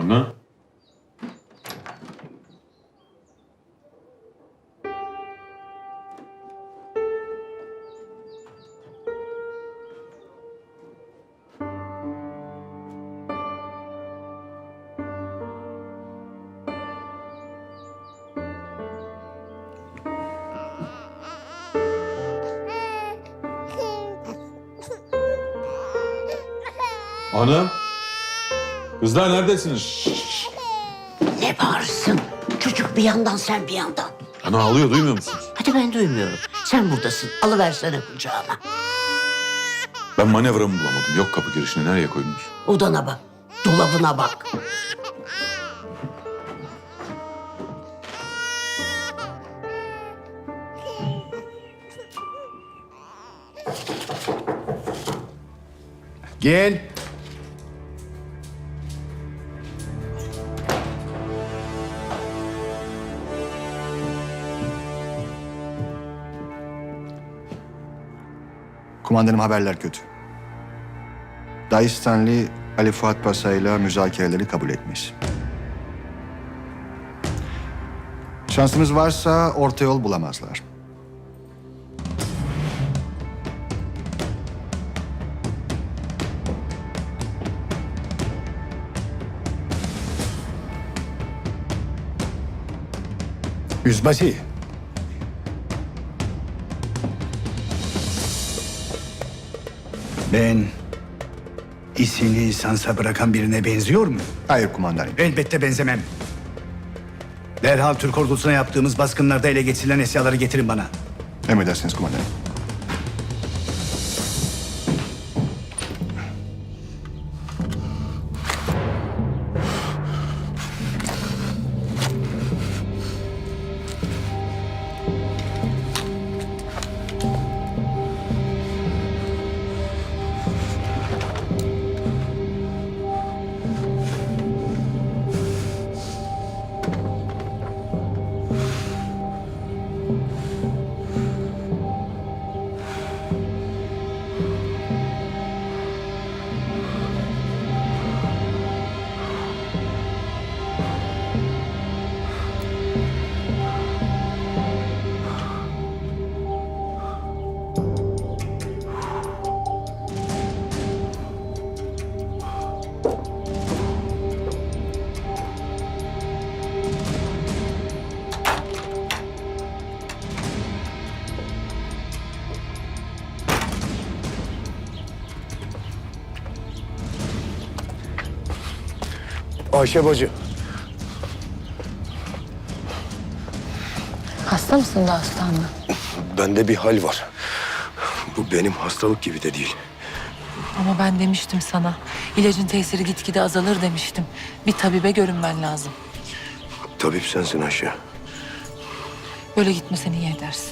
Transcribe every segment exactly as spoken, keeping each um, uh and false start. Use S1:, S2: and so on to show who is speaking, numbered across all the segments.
S1: Ana. Ana. Kızlar neredesiniz?
S2: Ne bağırsın? Çocuk bir yandan, sen bir yandan.
S1: Ana ağlıyor, duymuyor musunuz?
S2: Hadi ben duymuyorum. Sen buradasın. Alıversene kucağına.
S1: Ben manevramı bulamadım. Yok kapı girişine, nereye koydunuz?
S2: Odana bak. Dolabına bak.
S3: Gel. Kumandanım, haberler kötü. Dağistanlı Ali Fuat Paşa ile müzakereleri kabul etmiş. Şansımız varsa orta yol bulamazlar.
S4: Yüzbaşı. Ben işini lisansa bırakan birine benziyor mu?
S3: Hayır kumandanım.
S4: Elbette benzemem. Derhal Türk ordusuna yaptığımız baskınlarda ele geçirilen eşyaları getirin bana.
S3: Emredersiniz kumandanım.
S5: Ayşe bacı.
S6: Hasta mısın da hastanla?
S5: Bende bir hal var. Bu benim hastalık gibi de değil.
S6: Ama ben demiştim sana. İlacın tesiri gitgide azalır demiştim. Bir tabibe görünmen lazım.
S5: Tabip sensin Ayşe.
S6: Böyle gitmesen iyi edersin.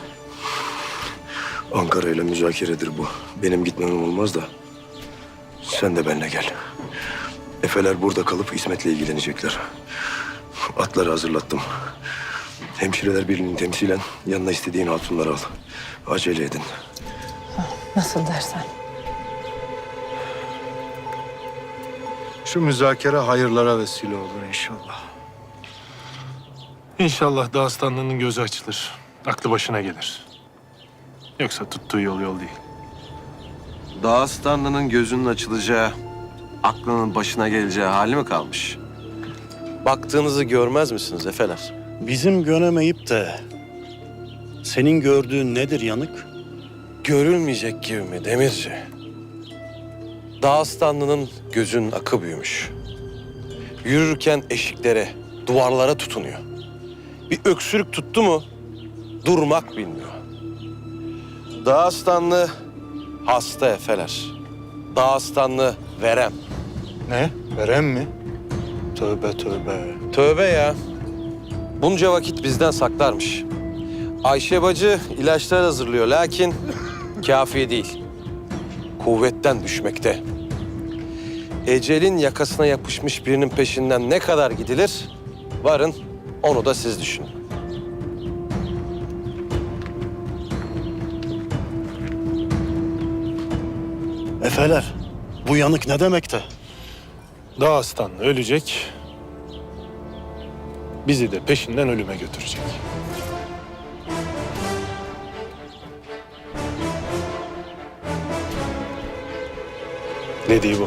S5: Ankara ile müzakeredir bu. Benim gitmem olmaz da. Sen de benimle gel. Efeler burada kalıp İsmet'le ilgilenecekler. Atları hazırlattım. Hemşireler birliğini temsilen yanına istediğin hatunları al. Acele edin.
S6: Nasıl dersen.
S7: Şu müzakere hayırlara vesile olur inşallah.
S8: İnşallah Dağıstanlı'nın gözü açılır. Aklı başına gelir. Yoksa tuttuğu yol yol değil.
S9: Dağıstanlı'nın gözünün açılacağı, aklının başına geleceği hali mi kalmış? Baktığınızı görmez misiniz efeler?
S10: Bizim göremeyip de senin gördüğün nedir yanık?
S9: Görülmeyecek gibi mi Demirci? Dağıstanlı'nın gözünün akı büyümüş. Yürürken eşiklere, duvarlara tutunuyor. Bir öksürük tuttu mu durmak bilmiyor. Dağıstanlı hasta efeler. Dağıstanlı verem.
S7: Ne? Verem mi? Tövbe tövbe.
S9: Tövbe ya. Bunca vakit bizden saklarmış. Ayşe bacı ilaçlar hazırlıyor lakin kafi değil. Kuvvetten düşmekte. Ecelin yakasına yapışmış birinin peşinden ne kadar gidilir? Varın onu da siz düşünün.
S10: Efeler, bu yanık ne demekte?
S8: Dağıstanlı ölecek. Bizi de peşinden ölüme götürecek. Dediği bu.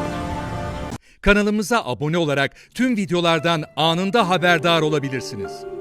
S11: Kanalımıza abone olarak tüm videolardan anında haberdar olabilirsiniz.